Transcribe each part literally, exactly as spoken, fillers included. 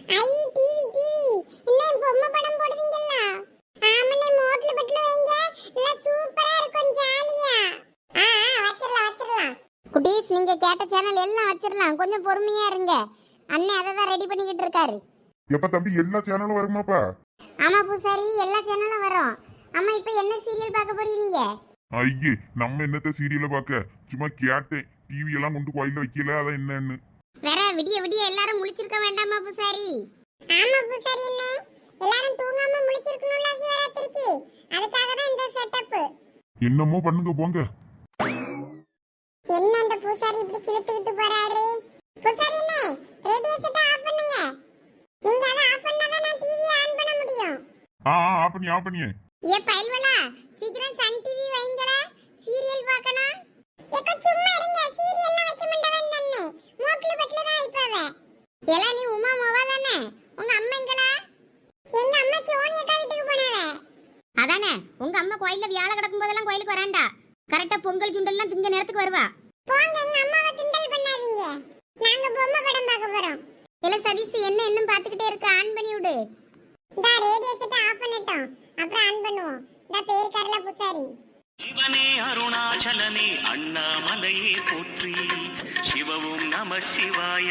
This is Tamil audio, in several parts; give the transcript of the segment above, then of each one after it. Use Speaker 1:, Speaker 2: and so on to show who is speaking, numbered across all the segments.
Speaker 1: ஐ டிவி டிவி இன்னே பொம்மை படம் போடுவீங்களா? ஆமனே மோட்ல பட்ல வைங்க. நல்ல சூப்பரா இருக்கும் ஜாலியா. ஆ ஆ வச்சிரலாம் வச்சிரலாம். குட்டீஸ் நீங்க கேட்ட சேனல் எல்லாம் வச்சிரலாம். கொஞ்சம் பொறுமையா இருங்க. அண்ணே அத தான் ரெடி பண்ணிக்கிட்டு இருக்காரு.
Speaker 2: எப்ப தம்பி எல்லா சேனலும் வருமாப்பா?
Speaker 1: ஆமா பூசாரி எல்லா சேனலும் வரும். அம்மா இப்போ என்ன சீரியல் பார்க்க போறீங்க நீங்க?
Speaker 2: ஐயே நம்ம என்னத்த சீரியலை பார்க்க, சும்மா கேட்டேன். டிவி எல்லாம் கொண்டு கோயில்ல வைக்கல, அதான் என்னன்னு.
Speaker 1: வேற விடிய விடிய எல்லாரும் முழிச்சிருக்க வேண்டாமா பூசாரி? ஆமா பூசாரி அண்ணே, எல்லாரும் தூங்காம முழிச்சிருக்கணும்ல சிவராத்திரிக்கு. அதுக்காக தான் இந்த செட்டப்.
Speaker 2: என்னமோ பண்ணுங்க போங்க.
Speaker 1: என்ன அந்த பூசாரி இப்படி கிழித்துக்கிட்டு போறாரு? பூசாரி அண்ணே ரேடியோ செட் ஆஃப் பண்ணுங்க. நீங்க அத ஆஃப் பண்ணா தான் நான் டிவி ஆன் பண்ண முடியும்.
Speaker 2: ஆ ஆ ஆஃப் பண்ணி ஆஃப் பண்ணியே.
Speaker 1: ஏ பைல்வலா சீக்கிரம் சன் டிவி வைங்களே, சீரியல் பார்க்கணும். ஏக்க சும்மா இருங்க, சீரியல்லாம் வைக்க மாட்டவன் தண்ணே. மோட்ல பட்ல தான் வைப்பாவே. எல நீ உமா மோவா தானே? உங்க அம்மா எங்கடா? எங்க அம்மா சோனி அக்கா வீட்டுக்கு போனாவே. அதானே உங்க அம்மா கோயில்ல வியாழ கிடக்கும் போதெல்லாம் கோயிலுக்கு வராண்டா. கரெக்ட்டா பொங்கல் சுண்டல்லாம் திங்க நேரத்துக்கு வருவா. போங்க எங்க அம்மாவை கிண்டல் பண்ணாதீங்க. நாங்க பொம்மை படம் பார்க்க போறோம். எல சதீஷ் என்ன என்னன்னு பாத்துக்கிட்டே இருக்க, ஆன் பண்ணி விடு. இந்த ரேடியோ செட் ஆஃப் பண்ணட்டும், அப்புறம் ஆன் பண்ணுவோம். இந்த பேர் கரல பூசாரி.
Speaker 3: சிவனே அருணாச்சலனே அண்ணாமலையே போற்றி, சிவவும் நம சிவாய.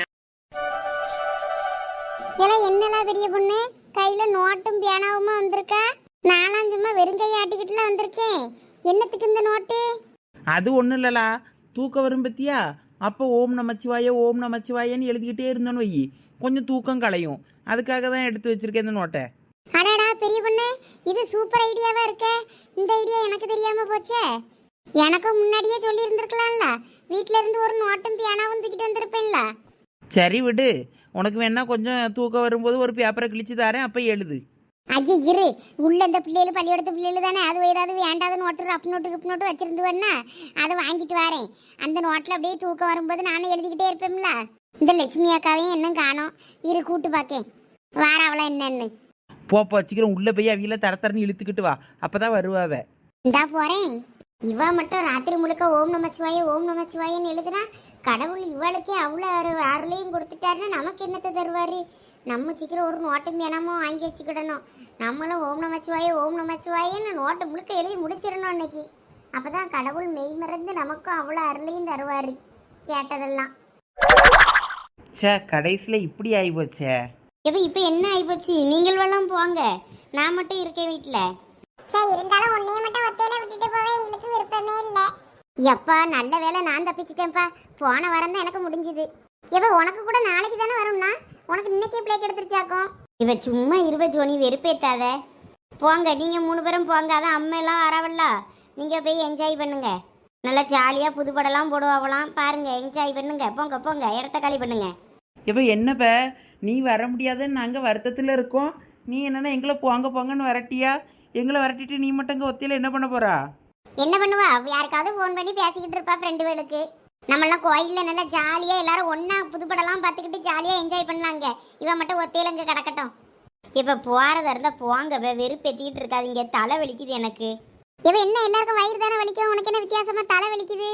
Speaker 1: எல்லாம் என்னலாம் பெரிய பொண்ணு கையில நோட்டும் பியானாவுமா வந்திருக்கா? நாலாம் சும்மா வெறுங்கை ஆட்டிக்கிட்டுலாம் வந்திருக்கேன். என்னத்துக்கு இந்த நோட்டு?
Speaker 4: அது ஒன்றும் இல்லலா, தூக்கம் வரும் பத்தியா? அப்போ ஓம் நமச்சிவாய ஓம் நமச்சிவாயன்னு எழுதிக்கிட்டே இருந்தோன்னு வை, கொஞ்சம் தூக்கம் களையும். அதுக்காக தான் எடுத்து வச்சிருக்கேன் இந்த நோட்டை.
Speaker 1: அடடா பெரிய பொண்ணு, இது சூப்பர் ஐடியாவா இருக்க. இந்த ஐடியா எனக்கு தெரியாம போச்சே. எனக்கும் முன்னாடியே சொல்லி இருந்திருக்கலாம்ல. வீட்ல இருந்து ஒரு நோட்டும் பியானாவும் தூக்கிட்டு வந்திருப்பேன்ல.
Speaker 4: சரி விடு, உனக்கு வேணா கொஞ்சம் தூக்கம் வரும்போது ஒரு பேப்பரை கிழிச்சு தரேன், அப்போ எழுது.
Speaker 1: ஐயா இரு, உள்ள இந்த பிள்ளைகள் பள்ளியோடத்து பிள்ளைகள் தானே, அது ஏதாவது வேண்டாத நோட்டு ரப் நோட்டு கிப் நோட்டு வச்சிருந்துவன்னா அதை வாங்கிட்டு வரேன். அந்த நோட்டில் அப்படியே தூக்கம் வரும்போது நானும் எழுதிக்கிட்டே இருப்பேன்ல. இந்த லட்சுமி அக்காவையும் இன்னும் காணோம், இரு கூட்டு பார்க்கேன் வார அவளை என்னன்னு.
Speaker 4: போப்போ சீக்கிரம் உள்ளே போய் அவியில தர தரன்னு இழுத்துக்கிட்டு வா, அப்போ தான் வருவாவ.
Speaker 1: இந்தா போகிறேன். இவ மட்டும் ராத்திரி முழுக்க ஓம் நமச்சிவாய ஓம் நமச்சிவாயன்னு எழுதுனா கடவுள் இவளுக்கே அவ்வளோ அரு அருளையும் கொடுத்துட்டாருன்னா நமக்கு என்னத்தை தருவார்? நம்ம சீக்கிரம் ஒரு நோட்டும் வேணாமோ வாங்கி வச்சுக்கிடணும். நம்மளும் ஓம் நமச்சிவாய ஓம் நமச்சிவாயன்னு நோட்டை முழுக்க எழுதி முடிச்சிடணும் அன்னைக்கு. அப்போ தான் கடவுள் மெய் மறந்து நமக்கும் அவ்வளோ அருளையும் தருவார் கேட்டதெல்லாம்.
Speaker 4: சே கடைசியில் இப்படி ஆகிப்போச்சே.
Speaker 1: இப்போ இப்போ என்ன ஆகிப்போச்சு? நீங்கள் வெள்ளம் போங்க, நான் மட்டும் இருக்கேன் வீட்டில். சரி இருந்தாலும் உன்னைய மட்டும் ஒத்தையில விட்டுட்டு போவே எங்களுக்கு விருப்பமே இல்லை. எப்பா நல்ல வேலை நான் தப்பிச்சிட்டேன்ப்பா. போன வாரம் தான் எனக்கு முடிஞ்சுது. எப்ப உனக்கு கூட நாளைக்கு தானே வரும்னா, உனக்கு இன்னைக்கே பிளேக் எடுத்துருச்சாக்கும். இவ சும்மா இருவ ஜோனி வெறுப்பேத்தாத. போங்க நீங்க மூணு பேரும் போங்க, அதான் அம்மா எல்லாம் வரவல்ல. நீங்க போய் என்ஜாய் பண்ணுங்க. நல்லா ஜாலியா புதுப்படலாம் போடுவாங்களாம் பாருங்க, என்ஜாய் பண்ணுங்க. போங்க போங்க இடத்த காலி பண்ணுங்க.
Speaker 4: இப்போ என்னப்ப நீ வர முடியாதுன்னு நாங்கள் வருத்தத்தில் இருக்கோம், நீ என்னென்னா எங்களை போங்க போங்கன்னு வரட்டியா? எங்களை வரட்டிட்டு நீ மட்டும் இங்கே ஒத்தியில் என்ன பண்ண போறா?
Speaker 1: என்ன பண்ணுவா? யாருக்காவது ஃபோன் பண்ணி பேசிக்கிட்டு இருப்பா ஃப்ரெண்டு வேலுக்கு. நம்மளாம் கோயிலில் நல்லா ஜாலியாக எல்லாரும் ஒன்றா புதுப்படலாம் பார்த்துக்கிட்டு ஜாலியாக என்ஜாய் பண்ணலாங்க. இவன் மட்டும் ஒத்தையில் இங்கே கிடக்கட்டும். இப்போ போகிறதா இருந்தால் போங்க, வெறுப்பேற்றிக்கிட்டு இருக்காதிங்க. தலை வலிக்குது எனக்கு. இவன் என்ன எல்லாருக்கும் வயிறு தானே வலிக்கும், உனக்கு என்ன வித்தியாசமாக தலை வலிக்குது?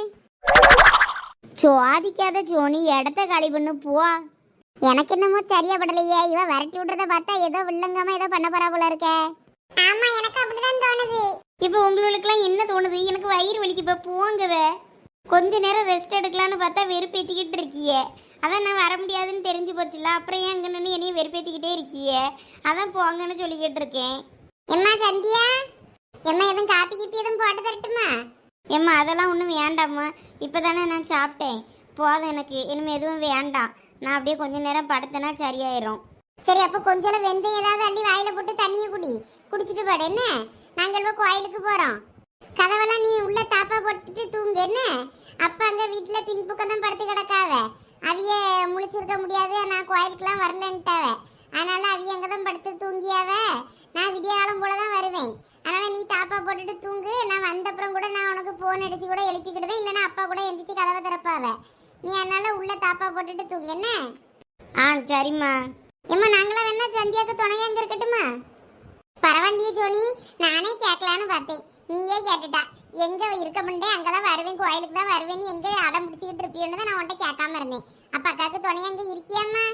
Speaker 1: சுவாதிக்காத ஜோனி இடத்த காலி பண்ணு போ. எனக்கு என்னமோ சரியா படலையே. இவன் விரட்டி விடுறத பார்த்தா ஏதோ வில்லங்கமா ஏதோ பண்ண போறா போல இருக்க. ஆமா எனக்கு அப்படிதான் தோணுது. இப்போ உங்களுக்குலாம் என்ன தோணுது? எனக்கு வயிறு வலிக்கு. இப்போ போங்கவே, கொஞ்ச நேரம் ரெஸ்ட் எடுக்கலான்னு பார்த்தா வெறுப்பேற்றிக்கிட்டு இருக்கியே. அதான் நான் வர முடியாதுன்னு தெரிஞ்சு போச்சுல, அப்புறம் ஏன் அங்கே நின்று என்னையும் வெறுப்பேற்றிக்கிட்டே இருக்கியே. அதான் போங்கன்னு சொல்லிக்கிட்டு இருக்கேன். எம்மா சந்தியா, எம்மா எதுவும் காப்பி கிப்பி எதுவும் போட்டு தரட்டுமா? எம்மா அதெல்லாம் ஒன்றும் வேண்டாம்மா, இப்போ தானே நான் சாப்பிட்டேன், போதும் எனக்கு. இனிமேல் எதுவும் வேண்டாம். நான் அப்படியே கொஞ்ச நேரம் படுத்தேன்னா சரியாயிரும். சரி அப்போ கொஞ்சம் வெந்தயம் ஏதாவது அள்ளி வாயில போட்டு தண்ணியை குடி, குடிச்சிட்டு பாடு என்ன. நாங்கள் இப்போ கோயிலுக்கு போகிறோம். கதவெல்லாம் நீ உள்ள தாப்பா போட்டுட்டு தூங்கு என்ன. அப்போ அங்கே வீட்டில் பின்புக்கம் தான் படுத்து கிடக்காவ. அவிய முழிச்சிருக்க முடியாது, நான் கோயிலுக்குலாம் வரலன்ட்டாவ. அதனால அவிய அங்கே தான் படுத்து தூங்கியாவ. நான் விடிய காலம் போல தான் வருவேன். அதனால் நீ தாப்பா போட்டுட்டு தூங்கு. நான் வந்தப்புறம் கூட நான் உனக்கு ஃபோன் அடித்து கூட எழுப்பிக்கிடுவேன், இல்லைன்னா அப்பா கூட எந்திரிச்சு கதவை திறப்பாவ. நீ அதனால உள்ள தாப்பா போட்டுட்டு தூங்கு என்ன. ஆ சரிம்மா. ஏம்மா நாங்களாம் வேணா சந்தியாவுக்கு துணையா அங்கே இருக்கட்டுமா? பரவாயில்லையே ஜோனி, நானே கேட்கலான்னு பார்த்தேன், நீயே கேட்டுட்டா. எங்கே இருக்க முடியே அங்கே தான் வருவேன், கோயிலுக்கு தான் வருவேன், எங்கே அடம் பிடிச்சிக்கிட்டு இருப்பியோன்னு தான் நான் உன்ட்ட கேட்காம இருந்தேன். அப்போ அக்காவுக்கு துணையா அங்கே இருக்கியாம்மா?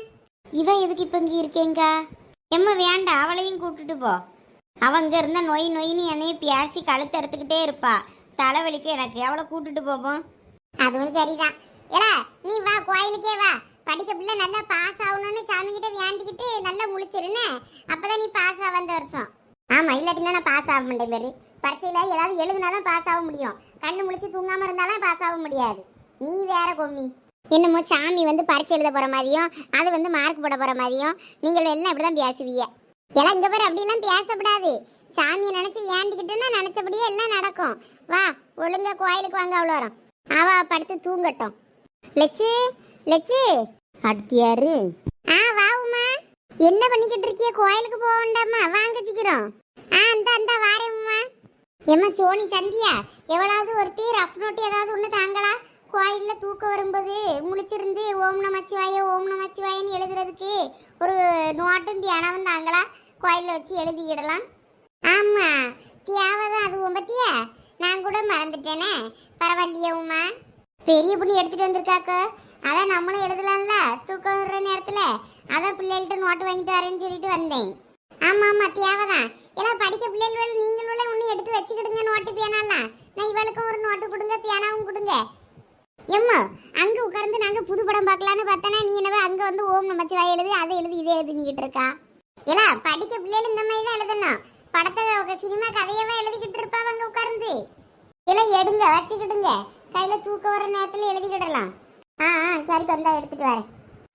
Speaker 1: இவ எதுக்கு இப்ப இங்க இருக்கேங்க? எம்மா வேண்டாம், அவளையும் கூப்பிட்டுட்டு போ. அவங்க இருந்த நொய் நொயின்னு என்னைய பேசி கழுத்து எடுத்துக்கிட்டே இருப்பா. தலைவலிக்கு எனக்கு, அவளை கூப்பிட்டுட்டு போவோம். அதுவும் சரிதான். ஏலா நீ வா, கோயிலுக்கே வா. படிக்க பிள்ளை நல்லா பாஸ் ஆகணும்னு சாமி கிட்ட வேண்டிக்கிட்டு நல்லா முழிச்சிருன்னு, அப்பதான் நீ பாஸ் ஆக வந்த வருஷம். ஆமா, இல்லாட்டினா நான் பாஸ் ஆக மாட்டேன். பேரு பரீட்சையில ஏதாவது எழுதுனாதான் பாஸ் ஆக முடியும். கண்ணு முழிச்சு தூங்காம இருந்தாலும் பாஸ் ஆக முடியாது. நீ வேற கொம்மி. என்னமோ சாமி வந்து பரீட்சை எழுத போற மாதிரியும் அது வந்து மார்க் போட போற மாதிரியும் நீங்கள் எல்லாம் இப்படிதான் பேசுவீங்க. எல்லாம் இங்க பேர் அப்படிலாம் பேசப்படாது. சாமியை நினைச்சு வேண்டிக்கிட்டுன்னா நினைச்சபடியே எல்லாம் நடக்கும். வா, ஒழுங்கா கோயிலுக்கு வாங்க. அவ்வளோ வரும். அவ படுத்து தூங்கட்டும். லட்சு லட்சு அடுத்து யாரு? ஆ வா உமா, என்ன பண்ணிக்கிட்டு இருக்கிய? கோயிலுக்கு போக வேண்டாமா? வாங்க சீக்கிரம். ஆ அந்த அந்த வாரேன் உமா. ஏம்மா சோனி சந்தியா, எவ்வளவு ஒருத்தி ரஃப் நோட்டு ஏதாவது ஒன்று தாங்களா? கோயில்ல தூக்கம் வரும்போது முழிச்சிருந்து ஓம் நமச்சிவாய ஓம் நமச்சிவாயன்னு எழுதுறதுக்கு ஒரு நோட்டும் தியானம் தாங்களா? கோயிலில் வச்சு எழுதிக்கிடலாம். ஆமா, தியாவதான் அதுவும் பத்தியா? நான் கூட மறந்துட்டேனே. பரவாயில்லையே உமா, பெரிய பொண்ணு எடுத்துட்டு வந்திருக்காக்கோ. அதான் நம்மளும் எழுதலாம்ல தூக்கம் வர்ற நேரத்துல. அதான் பிள்ளைகள்கிட்ட நோட்டு வாங்கிட்டு வரேன்னு சொல்லிட்டு வந்தேன். ஆமா ஆமா, தியாவதான். ஏன்னா படிக்க பிள்ளைகள் நீங்களும் ஒன்று எடுத்து வச்சுக்கிடுங்க நோட்டு பேனாலாம். நான் இவளுக்கும் ஒரு நோட்டு கொடுங்க, பேனாவும் கொடுங்க. எம்மா அங்க உட்கார்ந்து நாங்க புது படம் பார்க்கலான்னு பார்த்தனா, நீ என்னவே அங்க வந்து ஓம் நமச்சிவாய எழுதி அதை எழுதி இதை எழுதிக்கிட்டு இருக்கா. ஏலா படிக்க பிள்ளைகள் இந்த மாதிரி தான் எழுதணும். படத்தை சினிமா கதையவே எழுதிக்கிட்டு இருப்பா அங்க உட்கார்ந்து. எல்லாம் எடுங்க வச்சுக்கிடுங்க, கையில தூக்க வர நேரத்துல எழுதிக்கிடலாம். ஆ ஆ சரி, தந்தா எடுத்துட்டு வரேன்.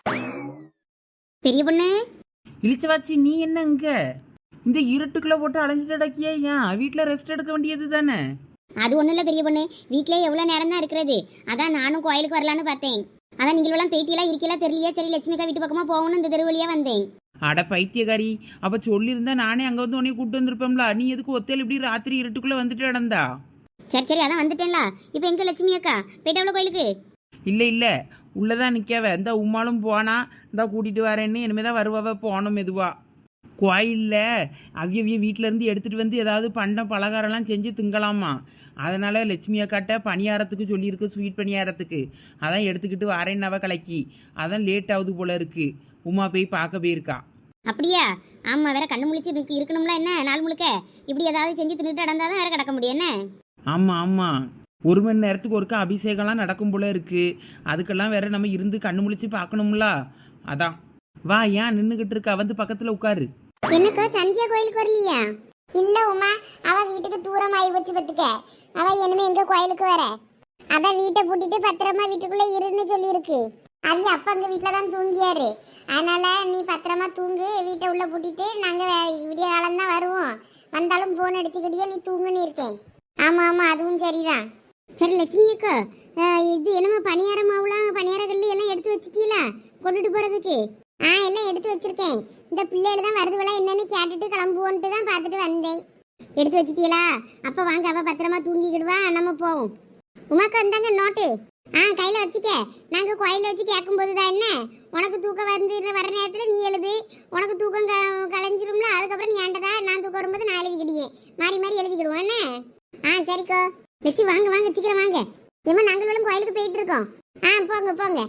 Speaker 1: பெரிய பொண்ணு
Speaker 4: இழிச்சவாச்சி, நீ என்ன இங்க இந்த இருட்டுக்குள்ள போட்டு அலைஞ்சிட்டு அடக்கியா? ஏன் வீட்டில் ரெஸ்ட் எடுக்க வேண்டியது தானே?
Speaker 1: அது ஒன்றும் இல்லை பெரிய பொண்ணு, வீட்டிலே எவ்வளோ நேரம் தான் இருக்கிறது. அதான் நானும் கோயிலுக்கு வரலான்னு பார்த்தேன். அதான் நீங்களெல்லாம் பேட்டியெல்லாம் இருக்கலாம் தெரியலையே. சரி லட்சுமிக்கா வீட்டு பக்கமாக போகணும், இந்த தெரு வழியாக வந்தேன்.
Speaker 4: அட பைத்தியக்காரி, அப்போ சொல்லியிருந்தா நானே அங்கே வந்து உன்னைய கூப்பிட்டு வந்திருப்பேன்ல. நீ எதுக்கு ஒத்தையில் இப்படி ராத்திரி இருட்டுக்குள்ளே வந்துட்டு நடந்தா?
Speaker 1: சரி சரி, அதான் வந்துட்டேன்ல. இப்போ எங்கே லட்சுமி அக்கா போயிட்டாவளோ கோயிலுக்கு?
Speaker 4: இல்லை இல்லை, உள்ளதான் நிற்காவ. இந்த உம்மாலும் போனா இந்த கூட்டிகிட்டு வரேன்னு இனிமே தான் வருவாவ. போனோம் மெதுவா. கோயிலில் அவிய அவிய வீட்டிலேருந்து எடுத்துகிட்டு வந்து ஏதாவது பண்டம் பலகாரம்லாம் செஞ்சு திங்கலாமா. அதனால் லட்சுமி அக்காட்ட பணியாரத்துக்கு சொல்லியிருக்கு, ஸ்வீட் பணியாரத்துக்கு. அதான் எடுத்துக்கிட்டு வரேன்னாவ கலக்கி. அதான் லேட் ஆகுது போல இருக்கு. உமா போய் பார்க்க போயிருக்கா.
Speaker 1: அப்படியா? ஆமாம், வேற கண்ணு முழிச்சு இருக்கு இருக்கணும்ல. என்ன நாள் முழுக்க இப்படி ஏதாவது செஞ்சு தின்னுட்டு நடந்தால் தான் வேற கிடக்க முடியும். என்ன?
Speaker 4: ஆமாம் ஆமாம், ஒரு மணி நேரத்துக்கு ஒருக்கா அபிஷேகம்லாம் நடக்கும் போல இருக்கு. அதுக்கெல்லாம் வேற நம்ம இருந்து கண்ணு முழிச்சு பார்க்கணும்ல. அதான் வா, ஏன் நின்றுக்கிட்டு இருக்கா? வந்து பக்கத்தில் உட்காரு.
Speaker 1: என்னக்கா சந்தியா கோயிலுக்கு வரலையா? இல்ல உமா, அவ வீட்டுக்கு தூரம் ஆகி போச்சு பத்துக்க. அவ இனிமே எங்க கோயிலுக்கு வர? அதான் வீட்டை பூட்டிட்டு பத்திரமா வீட்டுக்குள்ள இருன்னு சொல்லியிருக்கு. அது அப்ப அங்க வீட்டுல தான் தூங்கியாரு. அதனால நீ பத்திரமா தூங்கு, வீட்டை உள்ள பூட்டிட்டு நாங்க விடிய காலம் தான் வருவோம். வந்தாலும் போன் அடிச்சுக்கிட்டே நீ தூங்குன்னு இருக்கேன். ஆமா ஆமா, அதுவும் சரிதான். சரி லட்சுமி அக்கா, இது என்னமா பணியார மாவுலாம் பணியார கல்லு எல்லாம் எடுத்து வச்சுட்டீங்களா கொண்டுட்டு போறதுக்கு? ஆ எல்லாம் எடுத்து வச்சிருக்கேன். இந்த பிள்ளைகள் தான் வருதுவெல்லாம் என்னன்னு கேட்டுட்டு கிளம்புவோன்ட்டு தான் பார்த்துட்டு வந்தேன். எடுத்து வச்சிட்டீங்களா? அப்போ வாங்க, அவ பத்திரமா தூங்கிக்கிடுவா, நம்ம போவோம். உமாக்கா இந்தாங்க நோட்டு. ஆ கையில் வச்சுக்க. நாங்கள் கோயிலில் வச்சு கேட்கும்போது தான் என்ன, உனக்கு தூக்கம் வந்து வர நேரத்தில் நீ எழுது. உனக்கு தூக்கம் க கலைஞ்சிரும்ல, அதுக்கப்புறம் நீ ஏண்டதா நான் தூக்கம் வரும்போது நான் எழுதிக்கிடுவேன். மாறி மாறி எழுதிக்கிடுவோம் என்ன? ஆ சரிக்கோ. லட்சி வாங்க வாங்க, சீக்கிரம் வாங்க. ஏமா நாங்களும் கோயிலுக்கு போயிட்டு இருக்கோம். ஆ போங்க போங்க.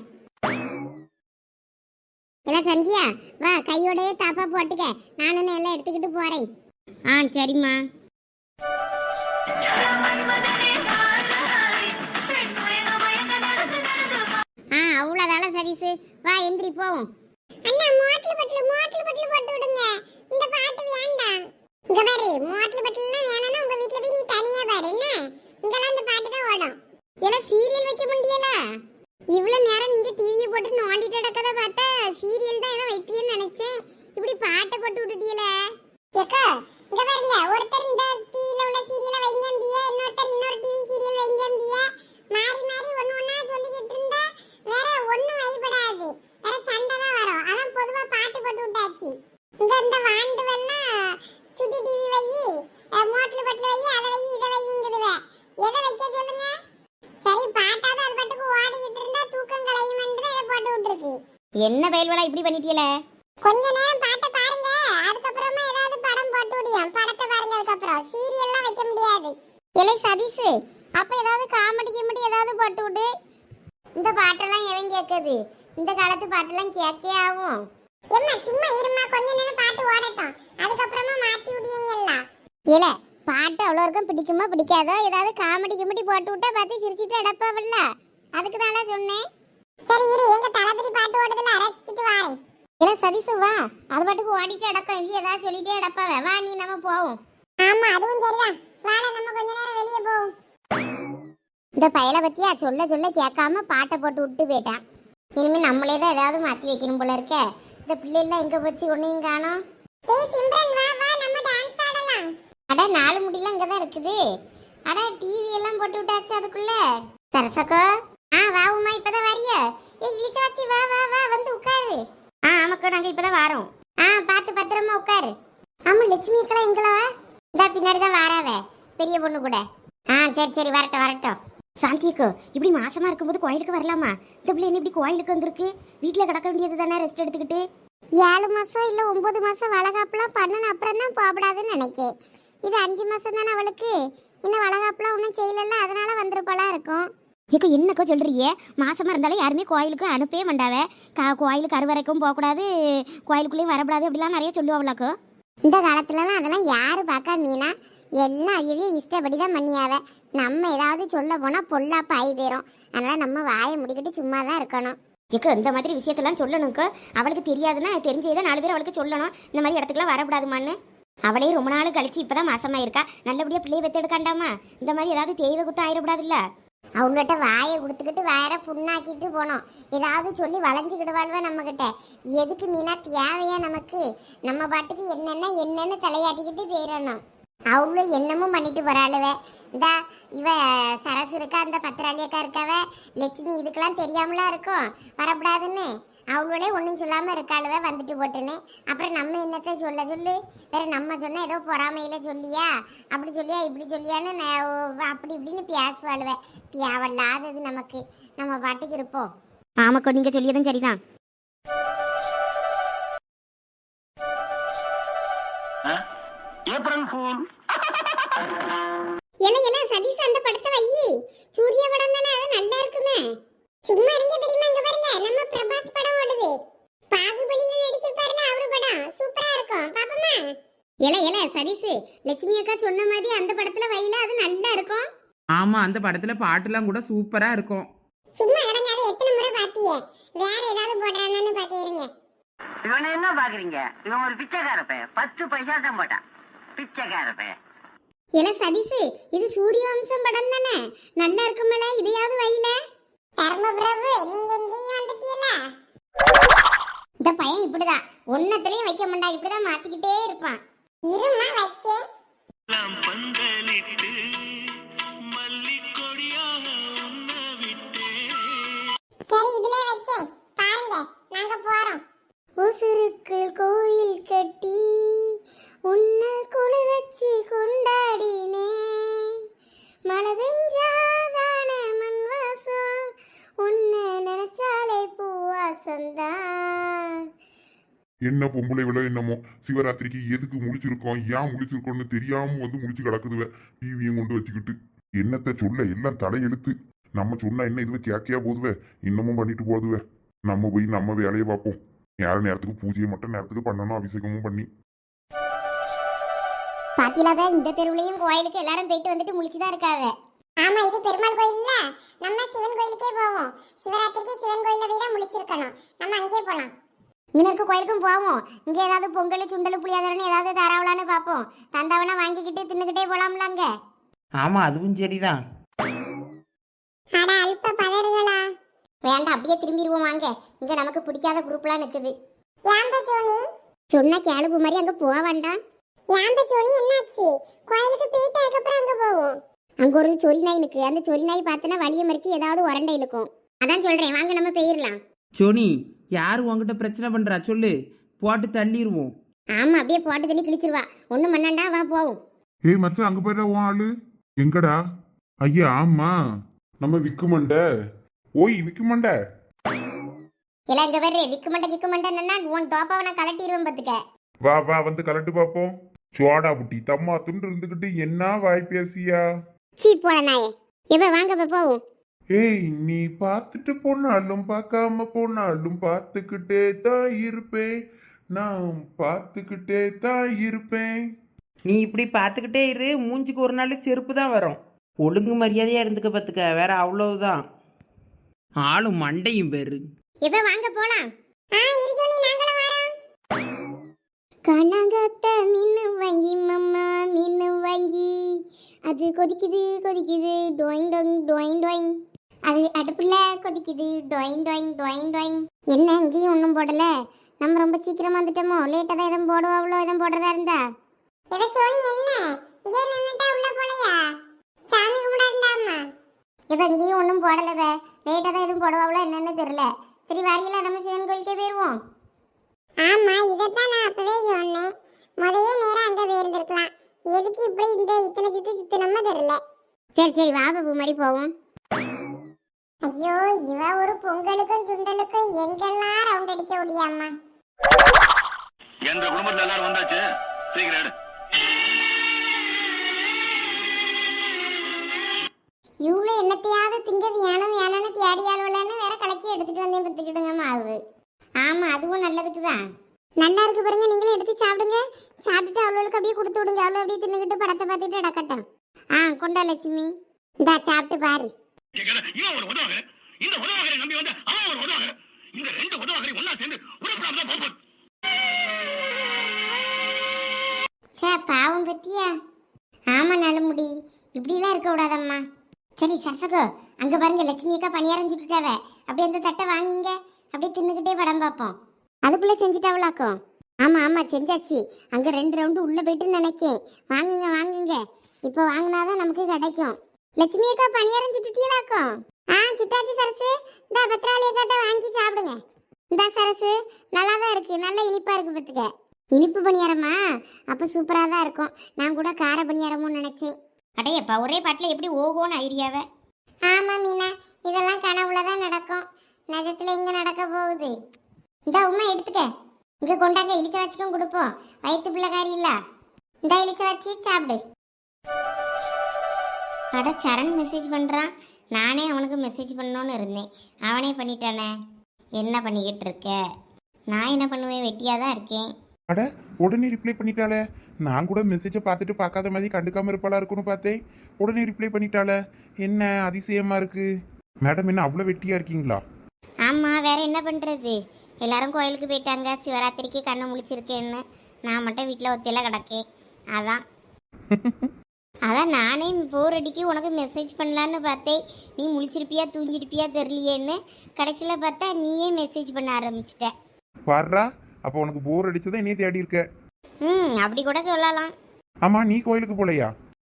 Speaker 1: எல்லாம் சந்தியா வா, கையோடய தாப்பா போட்டுக்க. நானும் எல்லாம் எடுத்துக்கிட்டு போறேன். ஆ சரிம்மா. ஆ அவ்வளோதால சரிசு, வா எந்திரி போவோம். அண்ணா மோட்டல் பட்டில் மோட்டல் பட்டில் போட்டு விடுங்க. இந்த பாட்டு வேண்டாம். இங்க பாரு, மோட்டல் பட்டில்லாம் வேணாம்னா உங்க வீட்ல போய் நீ தனியா பாரு என்ன. இங்கெல்லாம் இந்த பாட்டு தான் ஓடும். எல்லாம் சீரியல் வைக்க முடியல. இவ்வளவு நேரம் நீங்க டிவியை போட்டு நோண்டிட்டு கிடக்கத பார்த்தா சீரியல் தான் ஏதோ வைப்பியன்னு நினைச்சேன். இப்படி பாட்டை போட்டு விட்டுட்டீல. ஏக்கா இங்க பாருங்க, ஒருத்தர் இந்த டிவில உள்ள சீரியலை வைங்கம்பிய, இன்னொருத்தர் இன்னொரு டிவி சீரியல் வைங்கம்பிய. மாறி மாறி ஒண்ணு ஒண்ணா சொல்லிக்கிட்டு இருந்தா வேற ஒண்ணும் வைபடாது, வேற சண்டை தான் வரும். அதான் பொதுவா பாட்டு போட்டு விட்டாச்சு. இந்த இந்த வாண்டு வெல்லாம் சுட்டி டிவி வை, மோட்டல் பட்டில் வை, அதை வை இதை வைங்குதுவே. எதை வைக்க சொல்லுங்க? சரி பாட்டாவது அது பாட்டுக்கு ஓடிக்கிட்டு இருந்தா தூக்கம் கலையுமென்று இதை போட்டு விட்டுருக்கு. என்ன பயல்வலா இப்படி பண்ணிட்டீல? கொஞ்ச நேரம் பாட்டை பாருங்க, அதுக்கப்புறமா ஏதாவது படம் போட்டு விடியும். படத்தை பாருங்க, அதுக்கப்புறம் சீரியல்லாம் வைக்க முடியாது. இல்லை சதீஷ், அப்ப ஏதாவது காமெடி கிமெடி ஏதாவது போட்டு விடு. இந்த பாட்டெல்லாம் எவன் கேட்குது? இந்த காலத்து பாட்டெல்லாம் கேட்கே ஆகும். எம்மா சும்மா இருமா, கொஞ்ச நேரம் பாட்டு ஓடட்டும், அதுக்கப்புறமா மாத்தி விடுவீங்கல்ல. இல்ல பாட்டு அவ்வளோ இருக்கும் பிடிக்குமா பிடிக்காதோ, ஏதாவது காமெடி கிமெடி போட்டு விட்டா பார்த்து சிரிச்சிட்டு அடப்பாவல்ல, அதுக்கு தான் சொன்னேன். சரி இரு, எங்க தளபதி பாட்டு ஓடுதுல ரசிச்சிட்டு வாரேன். இல்ல சதீசு வா, அது பாட்டுக்கு ஓடிட்டு அடக்கம், இவ ஏதாவது சொல்லிட்டே அடப்பாவ, வா நீ நம்ம போவோம். ஆமா அதுவும் சரிதான், வாடா நம்ம கொஞ்ச நேரம் வெளியே போவோம். இந்த பயலை பத்தியா சொல்ல சொல்ல கேட்காம பாட்டை போட்டு விட்டு போயிட்டான். இனிமே நம்மளே தான் ஏதாவது மாத்தி வைக்கணும் போல இருக்க. இந்த பிள்ளைலாம் எங்க போச்சு, ஒன்னையும் காணோம். ஏய் சிம்ரன் வா வா, நம்ம டான்ஸ் ஆடலாம். அட நாலு முடியெல்லாம் இங்க தான் இருக்குது. அட டிவி எல்லாம் போட்டு விட்டாச்சு அதுக்குள்ள. சரசக்கோ ஆ வா உமா, இப்பதான் வரிய. ஏய் இளிச்சாச்சி வா வா வா, வந்து உட்காரு. ஆ ஆமாக்கா நாங்க இப்பதான் வாரோம். ஆ பார்த்து பத்திரமா உட்காரு. ஆமா லட்சுமி அக்கா எங்களவா? இந்த பின்னாடி தான் வாராவே பெரிய பொண்ணு கூட. ஆ சரி சரி வரட்டும் வரட்டும். சாந்தியக்கோ இப்படி மாசமா இருக்கும்போது கோயிலுக்கு வரலாமா? இந்த பிள்ளை என்ன இப்படி கோயிலுக்கு வந்திருக்கு? வீட்டில் கிடக்க வேண்டியது தானே ரெஸ்ட் எடுத்துக்கிட்டு. ஏழு மாசம் இல்லை ஒன்பது மாசம் வளகாப்புலாம் பண்ணணும், அப்புறம் தான் போகப்படாதுன்னு நினைக்கேன். இது அஞ்சு மாசம் தானே அவளுக்கு, இன்னும் வளகாப்புலாம் ஒன்றும் செய்யலல்ல, அதனால வந்திருப்பாளா இருக்கும். ஏக்கோ என்னக்கோ சொல்றியே, மாசமா இருந்தாலும் யாருமே கோயிலுக்கு அனுப்பவே மாட்டாவே. கா கோயிலுக்கு அறுவரைக்கும் போகக்கூடாது, கோயிலுக்குள்ளேயும் வரக்கூடாது அப்படிலாம் நிறைய சொல்லுவாங்களாக்கோ. இந்த காலத்துலலாம் அதெல்லாம் யாரு பார்க்கா மீனா, எல்லாம் ஐயவே இஷ்டப்படி தான் பண்ணியாவ. நம்ம ஏதாவது சொல்ல போனால் பொல்லாப்ப ஆகி போயிடும். அதனால் நம்ம வாயை முடிக்கிட்டு சும்மா தான் இருக்கணும். ஏக்கோ இந்த மாதிரி விஷயத்தெல்லாம் சொல்லணுக்கோ, அவளுக்கு தெரியாதுன்னா தெரிஞ்சதை நாலு பேர் அவளுக்கு சொல்லணும், இந்த மாதிரி இடத்துக்குலாம் வரக்கூடாதுமான்னு. அவளே ரொம்ப நாள் கழிச்சு இப்போதான் மாசமாக இருக்கா, நல்லபடியாக பிள்ளையை பெற்றெடுக்காண்டாமா. இந்த மாதிரி ஏதாவது தெய்வ குத்தம் ஆயிடக்கூடாதுல்ல. அவங்ககிட்ட வாயை கொடுத்துக்கிட்டு வேற புண்ணாக்கிட்டு போனோம், ஏதாவது சொல்லி வளைஞ்சிக்கிடுவாள்வ நம்மக்கிட்ட. எதுக்கு மீனா தேவையா நமக்கு? நம்ம பாட்டுக்கு என்னென்ன என்னன்னு தலையாட்டிக்கிட்டு போயிடணும். அவ்வளோ என்னமும் பண்ணிட்டு போறாளுவ. இந்த இவ சரசு இருக்கா, அந்த பத்திராளியக்கா இருக்காவ, லட்சுமி இதுக்கெல்லாம் தெரியாமலா இருக்கும் வரக்கூடாதுன்னு. அவளோட ஒன்றும் சொல்லாமல் இருக்காளுவ வந்துட்டு போட்டுன்னு. அப்புறம் நம்ம என்னத்தை சொல்ல சொல்லு, வேற நம்ம சொன்னால் ஏதோ பொறாமையில சொல்லியா, அப்படி சொல்லியா இப்படி சொல்லியான்னு அப்படி இப்படின்னு பேசுவாளுவ. தேவையில்லாதது நமக்கு, நம்ம பாட்டுக்கு இருப்போம். ஆமாக்கோ நீங்கள் சொல்லியதும் சரிதான்.
Speaker 3: April fool.
Speaker 1: எல்லாம் எல்லாம் சதீஷ் அந்த படத்தை வை, சூர்யா படம் தானே, அது நல்லா இருக்குமே. சும்மா இருங்க பெரியமா, இங்க பாருங்க நம்ம பிரபாஸ் படம் ஓடுது. பாகுபலியில நடிச்சிருப்பாருல அவரு படம், சூப்பரா இருக்கும் பாப்போமா? எல எல சதீஷ், லட்சுமி அக்கா சொன்ன மாதிரி அந்த படத்துல வைல, அது நல்லா இருக்கும்.
Speaker 4: ஆமா அந்த படத்துல பாட்டுலாம் கூட சூப்பரா இருக்கும்.
Speaker 1: சும்மா இடங்காத, எத்தனை முறை பாத்தியே, வேற ஏதாவது போடுறானு பாத்திருங்க.
Speaker 5: இவனை என்ன பாக்குறீங்க? இவன் ஒரு பிச்சைக்கார பையன், பத்து பைசா தான் போட்டான், பிச்சைக்கார பையன்.
Speaker 1: எல சதீஷ், இது சூரியவம்சம் படம் தானே, நல்லா இருக்குமல, இதையாவது வைல. தர்மபிரபு நீங்க எங்கேயும் வந்துட்டீல. இந்த பையன் இப்படிதான், ஒன்னத்திலையும் வைக்க மாட்டா, இப்படிதான் மாத்திக்கிட்டே இருப்பான். இருமா வைக்க.
Speaker 3: நாம் பந்தலிட்டு மல்லிக்கொடியாக உன்ன விட்டே.
Speaker 1: சரி இதுல வைக்க பாருங்க, நாங்க போறோம். உசுருக்கு கோயில் கட்டி உன்னை குளி வச்சு கொண்டாடினே, மழை பெஞ்சாதான மண் வாசம், உன்னை நினைச்சாலே பூவாசந்தான்.
Speaker 2: என்ன பொம்பளை விட என்னமோ சிவராத்திரிக்கு எதுக்கு முழிச்சிருக்கோம், ஏன் முழிச்சிருக்கோம்னு தெரியாம வந்து முழிச்சு கிடக்குதுவ டிவியும் கொண்டு வச்சுக்கிட்டு. என்னத்த சொல்ல, எல்லாம் தலையெழுத்து. நம்ம சொன்னா என்ன இதுவே கேக்கையா போதுவே, இன்னமும் பண்ணிட்டு போதுவே. நம்ம போய் நம்ம வேலையை பார்ப்போம். நேர நேரத்துக்கு பூஜையை மட்டும் நேரத்துக்கு பண்ணணும், அபிஷேகமும் பண்ணி.
Speaker 1: பாத்திலாத இந்த தெருவுலயும் கோயிலுக்கு எல்லாரும் போயிட்டு வந்துட்டு முழிச்சுதான் இருக்காங்க. ஆமா இது பெருமாள் கோயில் இல்ல, நம்ம சிவன் கோயிலுக்கே போவோம். சிவராத்திரிக்கு சிவன் கோயில போய் தான் முழிச்சிருக்கணும், நம்ம அங்கேயே போலாம். இன்னொரு கோயிலுக்கும் போவோம், இங்க ஏதாவது பொங்கல் சுண்டல் புளியாதரன்னு ஏதாவது தராவலான்னு பார்ப்போம். தந்தாவனா வாங்கிக்கிட்டு தின்னுக்கிட்டே போலாம்ல அங்க.
Speaker 4: ஆமா அதுவும் சரிதான்.
Speaker 1: அட அல்ப பதறுகளா, வேண்டாம் அப்படியே திரும்பிடுவோம் வாங்க. இங்க நமக்கு பிடிக்காத குரூப்லாம் நிக்குது. ஏன்பா சோனி சொன்னா கேளுப்பு மாதிரி அங்க போக வேண்டாம். ஏன்பா சோனி என்னாச்சு? கோயிலுக்கு போயிட்டு அதுக்கப்புறம் அங்க போவோம். அங்க ஒரு சொறி நாய் நிக்கு, அந்த சொறி நாய் பார்த்தனா வலிய மறிச்சு ஏதாவது உரண்டை இழுக்கும். அதான் சொல்றேன் வாங்க நம்ம போயிடலாம்.
Speaker 4: சோனி யார் உங்ககிட்ட பிரச்சனை பண்றா சொல்லு, போட்டு தள்ளிடுவோம்.
Speaker 1: ஆமா அப்படியே போட்டு தண்ணி கிழிச்சிருவா, ஒண்ணும் பண்ணாண்டா வா போவோம்.
Speaker 2: ஏய் மச்சான், அங்க போயிடா உன் ஆளு எங்கடா? ஐயா ஆமா நம்ம விக்குமண்ட. ஓய் விக்குமண்ட,
Speaker 1: எல்லாம் இங்க வர்றே விக்குமண்ட கிக்குமண்டன்னா உன் டோப்பாவை நான் கலட்டிடுவேன் பாத்துக்க.
Speaker 2: வா வா வந்து கலட்டு பாப்போம். சோடா புட்டி தம்மா துண்டு இருந்துகிட்டு என்ன வாய் பேசியா?
Speaker 1: சீ போன நாயே. எப்ப வாங்க இப்ப போவோம்.
Speaker 2: ஏய் நீ பார்த்துட்டு போனாலும் பார்க்காம போனாலும் பார்த்துக்கிட்டே தான் இருப்பேன், நான் பார்த்துக்கிட்டே தான் இருப்பேன்.
Speaker 4: நீ இப்படி பார்த்துக்கிட்டே இரு, மூஞ்சிக்கு ஒரு நாள் செருப்பு தான் வரும். ஒழுங்கு மரியாதையாக இருந்துக்க பார்த்துக்க, வேற அவ்வளவுதான். ஆளும் மண்டையும் பேரு.
Speaker 1: இப்ப வாங்க போலாம். ஆ இருக்கோனி நாங்களும் வரோம். கனகத்த மின்னு வாங்கி மம்மா மின்னு வாங்கி, அது கொதிக்குது கொதிக்குது டொயின் டொயின் டொயின் டொயின், அது அடுப்புல கொதிக்குது டொயின் டொயின் டொயின் டொயின். என்ன இங்கேயும் ஒன்றும் போடல, நம்ம ரொம்ப சீக்கிரமா வந்துட்டோமோ, லேட்டாக தான் எதுவும் போடுவோம், அவ்வளோ எதுவும் போடுறதா இருந்தா. இவ சோனி என்ன இங்கே நின்னுட்டா உள்ள போலையா? சாமி கும்பிடாண்டாமா. இவ இங்கேயும் ஒன்றும் போடலவே, லேட்டாக தான் எதுவும் போடுவாங்களோ என்னன்னு தெரியல. சரி வாரியல, நம்ம சிவன் கோயிலுக்கே போயிடுவோம். ஆமா, இதைத்தான் நான் அப்பவே சொன்னேன். முதையே நேரம் அங்கே போயிருந்துருக்கலாம், எதுக்கு இப்படி இந்த இத்தனை சுத்து சுத்தணுமா தெரியல. சரி சரி வா பாபு மாதிரி போவோம். ஐயோ இவ ஒரு பொங்கலுக்கும் சுண்டலுக்கும் எங்கெல்லாம் ரவுண்ட் அடிக்க முடியாமா.
Speaker 6: எங்க குடும்பத்துல எல்லாரும் வந்தாச்சு, சீக்கிரம் எடு.
Speaker 1: இவ்வளோ என்னத்தையாவது திங்க வேணும் வேணும்னு தேடி ஆளுவலன்னு வேற கலக்கி எடுத்துட்டு வந்தேன் பத்துக்கிட்டுங்க மாவு. ஆமா அதுவும் நல்லதுக்கு தான். நல்லா இருக்கு பாருங்க, நீங்களும் எடுத்து சாப்பிடுங்க. சாப்பிட்டுட்டு அவ்வளோக்கு அப்படியே கொடுத்து விடுங்க, அவ்வளோ அப்படியே தின்னுக்கிட்டு படத்தை பார்த்துட்டு அடக்கட்டும். ஆ கொண்டா லட்சுமி, இந்தா சாப்பிட்டு பாரு.
Speaker 6: இவன் ஒரு உதவாக, இந்த உதவாகரை நம்பி வந்து அவன் ஒரு உதவாக, இந்த ரெண்டு உதவாகரை ஒன்னா சேர்ந்து உருப்படாம தான் போகும்.
Speaker 1: சே பாவம் பத்தியா. ஆமா நலமுடி, இப்படிலாம் இருக்க விடாதம்மா. சரி சரசகோ, அங்க பாருங்க லட்சுமி அக்கா பணியாரம் சுட்டுட்டாவ, அப்படியே அந்த தட்டை வாங்குங்க, அப்படியே தின்னுக்கிட்டே படம் பார்ப்போம். அதுக்குள்ள செஞ்சுட்டாவளாக்கும். ஆமா ஆமா செஞ்சாச்சு, அங்க ரெண்டு ரவுண்டு உள்ள போயிட்டு நினைக்கேன். வாங்குங்க வாங்குங்க, இப்போ வாங்கினாதான் நமக்கு கிடைக்கும். லட்சுமி அக்கா பணியாரம் சுட்டுட்டீங்களாக்கும்? ஆ சுட்டாச்சு சரசு, இந்த பத்திராளி அக்காட்ட வாங்கி சாப்பிடுங்க. இந்த சரசு நல்லா தான் இருக்கு, நல்ல இனிப்பா இருக்கு பத்துக்க. இனிப்பு பணியாரமா? அப்போ சூப்பராக தான் இருக்கும். நான் கூட கார பணியாரமும் நினச்சேன். அடையப்பா ஒரே பாட்டில் எப்படி ஓகோன்னு ஐடியாவை. ஆமாம் மீனா, இதெல்லாம் கனவுல தான் நடக்கும், நிஜத்தில் இங்கே நடக்க போகுது. இந்த உண்மை எடுத்துக்க, இங்கே கொண்டாங்க இழிச்ச வச்சுக்கும் கொடுப்போம். வயிற்று பிள்ளைக்காரி இல்லை, இந்த இழிச்ச வச்சு சாப்பிடு. அட சரண் மெசேஜ் பண்ணுறான், நானே அவனுக்கு மெசேஜ் பண்ணணுன்னு இருந்தேன், அவனே பண்ணிட்டானே. என்ன பண்ணிக்கிட்டு இருக்க? நான் என்ன பண்ணுவேன், வெட்டியாக தான் இருக்கேன்.
Speaker 2: அட உடனே ரிப்ளை பண்ணிட்டாளே, நான் கூட மெசேஜை பார்த்துட்டு பார்க்காத மாதிரி கண்டுக்காம இருப்பாளா இருக்குன்னு பார்த்தேன். உடனே ரிப்ளை பண்ணிட்டாளே, என்ன அதிசயமா இருக்கு. மேடம் என்ன அவ்வளோ வெட்டியா இருக்கீங்களா?
Speaker 1: ஆமாம் வேற என்ன பண்ணுறது, எல்லாரும் கோயிலுக்கு போயிட்டாங்க, சிவராத்திரிக்கு கண்ணு முழிச்சிருக்கேன்னு. நான் மட்டும் வீட்டில் ஒத்தையில கிடக்கேன். அதான் அதான் நானே போர் அடிக்கி உனக்கு மெசேஜ் பண்ணலான்னு பார்த்தேன். நீ முழிச்சிருப்பியா தூங்கிருப்பியா தெரியலையேன்னு, கடைசியில் பார்த்தா நீயே மெசேஜ் பண்ண ஆரம்பிச்சிட்ட.
Speaker 2: வர்றா, அப்போ உனக்கு போர் அடிச்சதை என்னையே தேடி இருக்க.
Speaker 1: ம் அப்படி கூட சொல்லலாம்.
Speaker 2: ஆமா நீ கோயிலுக்கு போலையா?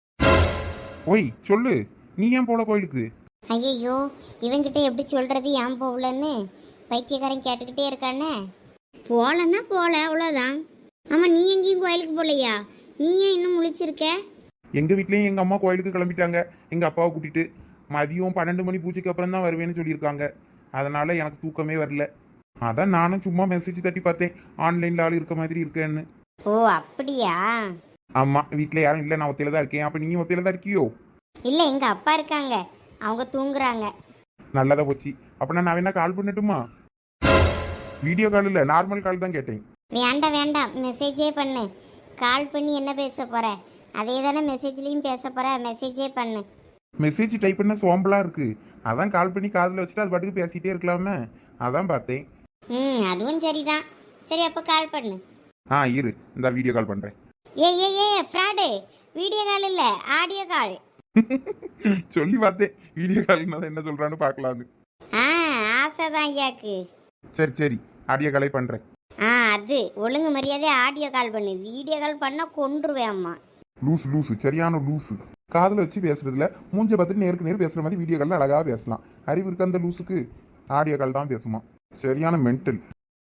Speaker 2: ஓய் சொல்லு, நீ ஏன் போல கோயிலுக்கு?
Speaker 1: ஐயையோ இவங்கிட்ட எப்படி சொல்கிறது ஏன் போகலன்னு பைத்தியக்காரன் கேட்டுக்கிட்டே இருக்கானே. போகலன்னா போகல அவ்வளோதான். ஆமாம் நீ எங்கேயும் கோயிலுக்கு போகலையா? நீ ஏன் இன்னும் முழிச்சிருக்க?
Speaker 2: எங்க வீட்லயும் எங்க அம்மா கோயிலுக்கு கிளம்பிட்டாங்க, எங்க அப்பாவை கூட்டிட்டு. மதியம் பன்னெண்டு மணி பூஜைக்கு அப்புறம் தான் வருவேன்னு சொல்லியிருக்காங்க. அதனால எனக்கு தூக்கமே வரல. அதான் நானும் சும்மா மெசேஜ் தட்டி பார்த்தேன், ஆன்லைன்ல ஆள் இருக்க மாதிரி இருக்கேன்னு.
Speaker 1: ஓ அப்படியா?
Speaker 2: ஆமா வீட்டுல யாரும் இல்லை, நான் ஒத்தையில தான் இருக்கேன். அப்ப நீ ஒத்தையில தான் இருக்கியோ?
Speaker 1: இல்லை எங்கள் அப்பா இருக்காங்க, அவங்க தூங்குறாங்க.
Speaker 2: நல்லதா போச்சு. அப்ப நான் வேணா கால் பண்ணட்டுமா? வீடியோ கால் இல்ல, நார்மல் கால் தான் கேட்டேன்.
Speaker 1: வேண்டாம் வேண்டாம், மெசேஜே பண்ணு. கால் பண்ணி என்ன பேச போற? அதே தானே மெசேஜ்லேயும் பேச போற, மெசேஜே பண்ணு.
Speaker 2: மெசேஜ் டைப் பண்ண சோம்பலா இருக்கு, அதான் கால் பண்ணி காதில் வச்சுட்டு அது பாட்டுக்கு பேசிட்டே இருக்கலாமே, அதான் பார்த்தேன்.
Speaker 1: ம் அதுவும் சரிதான். சரி அப்போ கால் பண்ணு.
Speaker 2: ஆ இரு, இந்த வீடியோ கால் பண்றேன்.
Speaker 1: ஏ ஏ ஏ ஃப்ராடு, வீடியோ கால் இல்லை ஆடியோ கால்.
Speaker 2: சொல்லி பார்த்தேன், வீடியோ கால்னா என்ன சொல்றான்னு பார்க்கலான்னு.
Speaker 1: ஆ ஆசைதான் ஐயாக்கு.
Speaker 2: சரி சரி, ஆடியோ காலை பண்றேன்.
Speaker 1: ஆ அது ஒழுங்கு மரியாதை ஆடியோ கால் பண்ணு, வீடியோ கால் பண்ணால் கொன்றுவேன் அம்மா.
Speaker 2: லூசு லூசு, சரியான லூசு. காதில் வச்சு பேசுறதுல மூஞ்ச பார்த்துட்டு நேருக்கு நேர் பேசுற மாதிரி வீடியோ காலில் அழகாக பேசலாம். அறிவு இருக்க அந்த லூசுக்கு ஆடியோ கால் தான் பேசுமா. சரியான மென்டல்.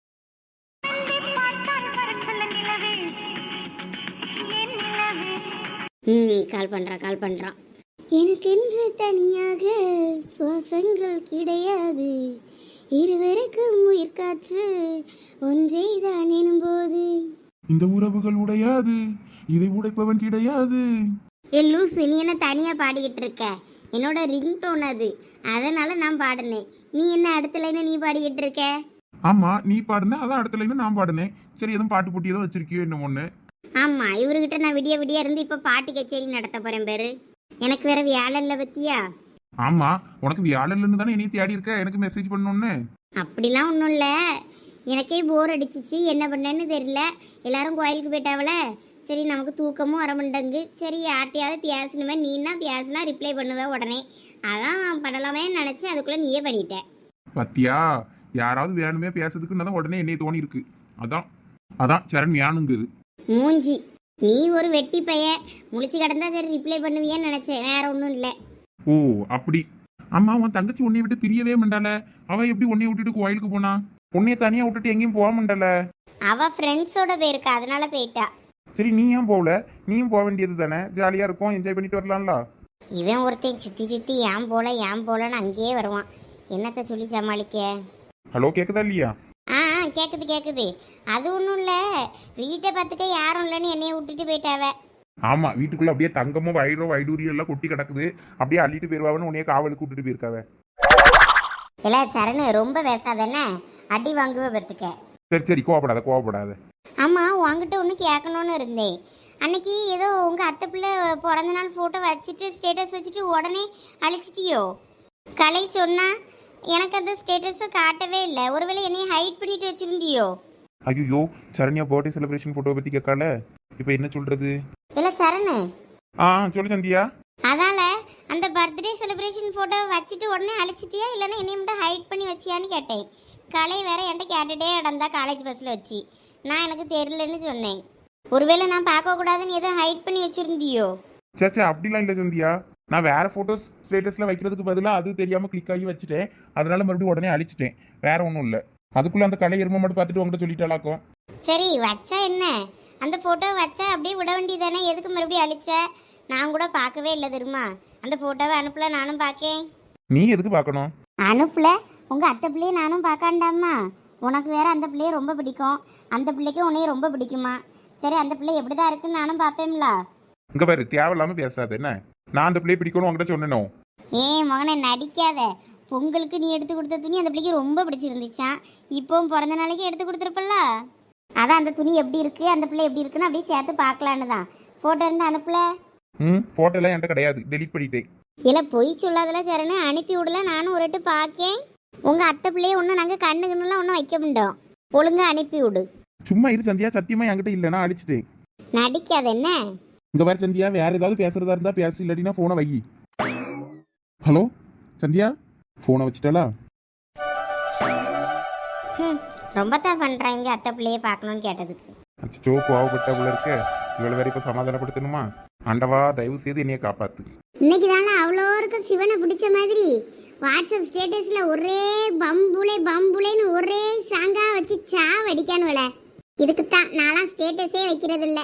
Speaker 1: ம் கால் பண்ணுறான் கால் பண்ணுறான். எனக்கென்று தனியாக சுவாசங்கள் கிடையாது, இருவருக்கும் உயிர் காற்று ஒன்றே தான் எனும்போது.
Speaker 2: இந்த உறவுகள் உடையாது, இதை உடைப்பவன் கிடையாது.
Speaker 1: ஏ லூசு, நீ என்ன தனியாக பாடிக்கிட்டு இருக்க? என்னோட ரிங் டோன் அது, அதனால நான் பாடினேன். நீ என்ன அடுத்த லைனை நீ பாடிக்கிட்டு இருக்க?
Speaker 2: ஆமா, நீ பாடுன அதான் அடுத்த லைன் நான் பாடுனேன். சரி, எதுவும் பாட்டு போட்டி ஏதோ வச்சிருக்கியோ என்ன ஒண்ணு?
Speaker 1: ஆமாம், இவர்கிட்ட நான் விடிய விடிய இருந்து இப்போ பாட்டு கச்சேரி நடத்த போகிறேன் பேரு. எனக்கு வேற வேலை இல்லை பத்தியா?
Speaker 2: ஆமா, உனக்கு வியாழன்னு தானே என்னைய தேடி இருக்க எனக்கு மெசேஜ் பண்ணணும்னு.
Speaker 1: அப்படிலாம் ஒன்றும் இல்லை, எனக்கே போர் அடிச்சிச்சு, என்ன பண்ணேன்னு தெரியல. எல்லாரும் கோயிலுக்கு போயிட்டாவல, சரி நமக்கு தூக்கமும் வர மாட்டேங்கு. சரி யார்கிட்டையாவது பேசணுமே, நீனா பேசினா ரிப்ளை பண்ணுவேன் உடனே. அதான் பண்ணலாமே நினச்சி அதுக்குள்ளே நீயே பண்ணிட்ட.
Speaker 2: பத்தியா, யாராவது வேணுமே பேசுறதுக்குன்னு தான் உடனே என்னைய தோணி இருக்கு. அதான் அதான் சரண் வேணுங்குது.
Speaker 1: மூஞ்சி, நீ ஒரு வெட்டி பைய, முழிச்சு கிடந்தா சரி ரிப்ளை பண்ணுவியன்னு நினச்சேன், வேற ஒன்றும் இல்லை.
Speaker 2: ஓ அப்படி. அம்மா, உன் தங்கச்சி உன்னைய விட்டு பிரியவே மாட்டாள. அவ எப்படி உன்னைய விட்டுட்டு கோயிலுக்கு போனா? உன்னைய தனியா விட்டுட்டு எங்கேயும் போக மாட்டாள.
Speaker 1: அவ ஃப்ரெண்ட்ஸோட போயிருக்கா, அதனால போயிட்டா.
Speaker 2: சரி, நீ ஏன் போகல? நீயும் போக வேண்டியது தானே, ஜாலியா இருக்கும், என்ஜாய் பண்ணிட்டு வரலாம்ல.
Speaker 1: இவன் ஒருத்தன் சுற்றி சுற்றி ஏன் போல ஏன் போலன்னு அங்கேயே வருவான். என்னத்தை சொல்லி சமாளிக்க?
Speaker 2: ஹலோ, கேக்குதா இல்லையா?
Speaker 1: ஆ ஆ கேட்குது கேட்குது. அது ஒன்றும் இல்லை, வீட்டை பார்த்துக்க யாரும் இல்லைன்னு என்னைய விட்டுட்டு போயிட்டாவ.
Speaker 2: ஆமா, வீட்டுக்குள்ள அப்படியே தங்கமும் வயிறோ வைடூரியம் எல்லாம் கொட்டி கிடக்குது. அப்படியே அள்ளிட்டு போயிருவாவன்னு உன்னைய காவலுக்கு விட்டுட்டு போயிருக்காவ.
Speaker 1: இல்லை சரணு, ரொம்ப பேசாதானே, அடி வாங்குவ பத்துக்க.
Speaker 2: சரி சரி, கோவப்படாத கோவப்படாத.
Speaker 1: ஆமாம், உங்ககிட்ட ஒன்று கேட்கணுன்னு இருந்தேன். அன்னைக்கு ஏதோ உங்கள் அத்தை பிள்ளை பிறந்த நாள் ஃபோட்டோ வச்சுட்டு ஸ்டேட்டஸ் வச்சுட்டு உடனே அழிச்சிட்டியோ? கலை சொன்னா எனக்கு அந்த ஸ்டேட்டஸை காட்டவே இல்லை. ஒருவேளை என்னைய ஹைட் பண்ணிட்டு வச்சிருந்தியோ?
Speaker 2: ஐயோ, சரண்யா பர்த்டே செலிப்ரேஷன் போட்டோ பத்தி கேட்கால, இப்போ என்ன சொல்றது?
Speaker 1: இல்லை சரணு,
Speaker 2: ஆ சொல்லு சந்தியா.
Speaker 1: அதால அந்த பர்த்டே செலிப்ரேஷன் ஃபோட்டோ வச்சுட்டு உடனே அழிச்சிட்டியா, இல்லைன்னா என்னைய மட்டும் ஹைட் பண்ணி வச்சியான்னு கேட்டேன். கலை வேற என்கிட்ட கேட்டுட்டே இடந்தா காலேஜ் பஸ்ஸில் வச்சு. நான் எனக்கு தெரியலன்னு சொன்னேன். ஒருவேளை நான் பார்க்கக்கூடாதுன்னு எதுவும் ஹைட் பண்ணி வச்சிருந்தியோ?
Speaker 2: சேச்சா, அப்படிலாம் இல்லை சந்தியா. நான் வேற போட்டோஸ் ஸ்டேட்டஸ்ல வைக்கிறதுக்கு பதிலாக அது தெரியாம கிளிக் ஆகி வச்சுட்டேன். அதனால மறுபடியும் உடனே அழிச்சிட்டேன். வேற ஒன்றும் இல்லை. அதுக்குள்ள அந்த கலை எருமை மட்டும் பார்த்துட்டு உங்கள்கிட்ட சொல்லிட்டாலாக்கும்.
Speaker 1: சரி வச்சா என்ன, அந்த ஃபோட்டோ வச்சா அப்படியே விட வேண்டியதானே, எதுக்கு மறுபடியும் அழிச்ச? நான் கூட பார்க்கவே இல்லை தெரியுமா. அந்த ஃபோட்டோவை அனுப்பல, நானும் பார்க்கேன்.
Speaker 2: நீ எதுக்கு பார்க்கணும்?
Speaker 1: அனுப்பல, உங்கள் அத்தை பிள்ளையை நானும் பார்க்காண்டாமா. உனக்கு வேற அந்த பிள்ளையை ரொம்ப பிடிக்கும், அந்த பிள்ளைக்கும் உன்னையும் ரொம்ப பிடிக்குமா. சரி, அந்த பிள்ளை எப்படி தான் இருக்குன்னு நானும் பார்ப்பேன்ல.
Speaker 2: இங்க பாரு, தேவையில்லாம பேசாத என்ன. நான் அந்த பிள்ளையை பிடிக்கணும் உங்ககிட்ட சொன்னேனோ?
Speaker 1: ஏன் மகனை நடிக்காத. பொங்கலுக்கு நீ எடுத்து கொடுத்த துணி அந்த பிள்ளைக்கு ரொம்ப பிடிச்சிருந்துச்சான். இப்போவும் பிறந்த நாளைக்கு எடுத்து கொடுத்துருப்பல்ல. அதான் அந்த துணி எப்படி இருக்கு, அந்த பிள்ளை எப்படி இருக்குன்னு அப்படியே சேர்த்து பார்க்கலான்னு தான். ஃபோட்டோ இருந்து அனுப்பல?
Speaker 2: ம் ஃபோட்டோலாம் என்கிட்ட கிடையாது, டெலிட் பண்ணிட்டேன்.
Speaker 1: இல்லை பொய் சொல்லாதல சரணு, அனுப்பி விடல. நானும் ஒரு வாட்டி பார்க்கேன். உங்கள் அத்தை பிள்ளைய ஒன்றும் நாங்கள் கண்ணு கண்ணுலாம் ஒன்றும் வைக்க முடியும். ஒழுங்காக அனுப்பி விடு.
Speaker 2: சும்மா இரு சந்தியா, சத்தியமா என்கிட்ட இல்லைனா அடிச்சுட்டேன்.
Speaker 1: நடிக்காத என்ன.
Speaker 2: இங்க பாரு சந்தியா, வேற ஏதாவது பேசுறதா இருந்தா பேசு, இல்லாட்டினா போனை வை. ஹலோ சந்தியா, போனை வச்சுட்டாளா?
Speaker 1: ம் ரொம்ப தான் பண்ணுறாங்க அத்தை பிள்ளைய பார்க்கணும்னு கேட்டதுக்கு.
Speaker 2: அச்சோ, கோவப்பட்ட போல இருக்க. இவ்வளவு வேற இப்ப சமாதானப்படுத்தணுமா? ஆண்டவா, தயவு செய்து என்னைய காப்பாத்து.
Speaker 1: இன்னைக்கு தானே அவ்வளோருக்கும் சிவனை பிடிச்ச மாதிரி வாட்ஸ்அப் ஸ்டேட்டஸ்ல ஒரே பம்புளே பம்புளேன்னு ஒரே சாங்கா வச்சு சாவடிக்கானுவல. இதுக்குத்தான் நான்லாம் ஸ்டேட்டஸே வைக்கிறது இல்ல.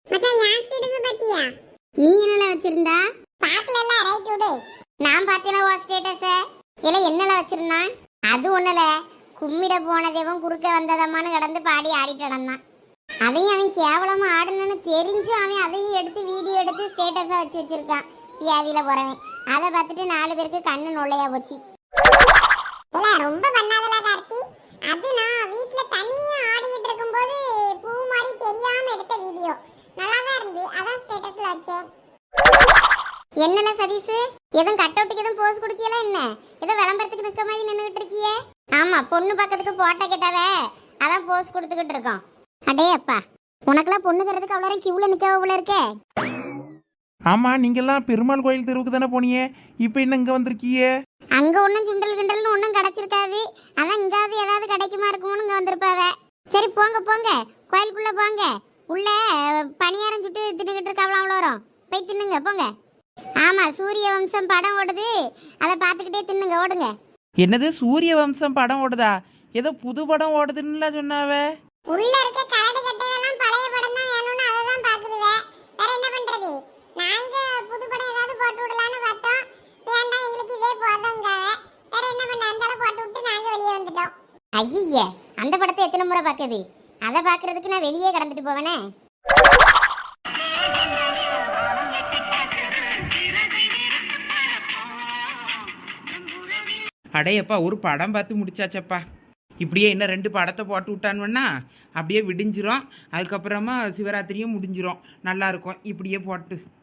Speaker 1: நீ என்னல வச்சிருந்தா? பாக்கலல, ரைட் விடு. நான் பார்த்தேனா வா ஸ்டேட்டஸ. இல்ல என்னல வச்சிருந்தா? அது ஒண்ணுல, கும்மிட போன தேவன் குறுக்க வந்ததம்மான்னு கடந்து பாடி ஆடிட்டு நடந்தான். அதையும் அவன் கேவலமா ஆடணும்னு தெரிஞ்சு அவன் அதையும் எடுத்து வீடியோ எடுத்து ஸ்டேட்டஸா வச்சு வச்சிருக்கான். வியாதியில போறவன் அதை பார்த்துட்டு நாலு பேருக்கு கண்ணு நொல்லையா போச்சு. ரொம்ப பண்ணாதல கார்த்தி. அது நான் வீட்ல தனியா ஆடிட்டு இருக்கும்போது பூ மாதிரி தெரியாம எடுத்த வீடியோ. நல்லா தான் இருந்து, அதான் ஸ்டேட்டஸ்ல வச்சேன். என்னல சதீஷ், எதுவும் கட் அவுட்டுக்கு எதுவும் போஸ் கொடுக்கல என்ன? ஏதோ விளம்பரத்துக்கு நிற்க மாதிரி நின்றுகிட்டு இருக்கியே? ஆமா, பொண்ணு பக்கத்துக்கு போட்டோ கேட்டாவே அதான் போஸ் கொடுத்துக்கிட்டு இருக்கோம். அடே அப்பா, உனக்கெல்லாம் பொண்ணு தரதுக்கு அவ்வளோ கியூல நிற்க போல இருக்கே.
Speaker 4: ஆமா, நீங்கெல்லாம் பெருமாள் கோயில் தெருவுக்கு தானே போனீங்க, இப்போ என்ன இங்க வந்திருக்கீங்க?
Speaker 1: அங்க ஒன்றும் சுண்டல் கிண்டல்னு ஒன்றும் கிடைச்சிருக்காது. அதான் இங்காவது ஏதாவது கிடைக்குமா இருக்குமோன்னு இங்கே வந்திருப்பாவ. சரி போங்க போங்க, கோயிலுக்குள்ள போங்க. உள்ள பணியாரம் சுட்டு தின்னுக்கிட்டு இருக்காவலாம், அவ்வளோ வரும். போய் தின்னுங்க போங்க. ஆமா, சூரிய வம்சம் படம் ஓடுது, அதை பார்த்துக்கிட்டே தின்னுங்க, ஓடுங்க.
Speaker 4: என்னது சூரிய வம்சம் படம் ஓடுதா? ஏதோ புது படம் ஓடுதுன்னுலாம் சொன்னாவ.
Speaker 1: உள்ள இருக்க கரடு கட்டையெல்லாம் பழைய படம் தான் வேணும்னு அதை தான் பார்க்குதுவே. வேற என்ன பண்றது? நாங்க புது படம் ஏதாவது போட்டு விடலான்னு பார்த்தோம். வேண்டாம், எங்களுக்கு இதே போதுங்காக. வேற என்ன பண்ண, அந்த அளவு போட்டு விட்டு நாங்க வெளியே வந்துட்டோம். ஐயே, அந்த படத்தை எத்தனை முறை பார்க்குது? அதை பார்க்கறதுக்கு நான் வெளியே கடந்துட்டு போவேனே.
Speaker 4: அடையப்பா ஒரு படம் பார்த்து முடிச்சாச்சப்பா. இப்படியே இன்னும் ரெண்டு படத்தை போட்டு விட்டானுன்னா அப்படியே விடிஞ்சிரும். அதுக்கப்புறமா சிவராத்திரியும் முடிஞ்சிரும். நல்லா இருக்கும் இப்படியே போட்டு.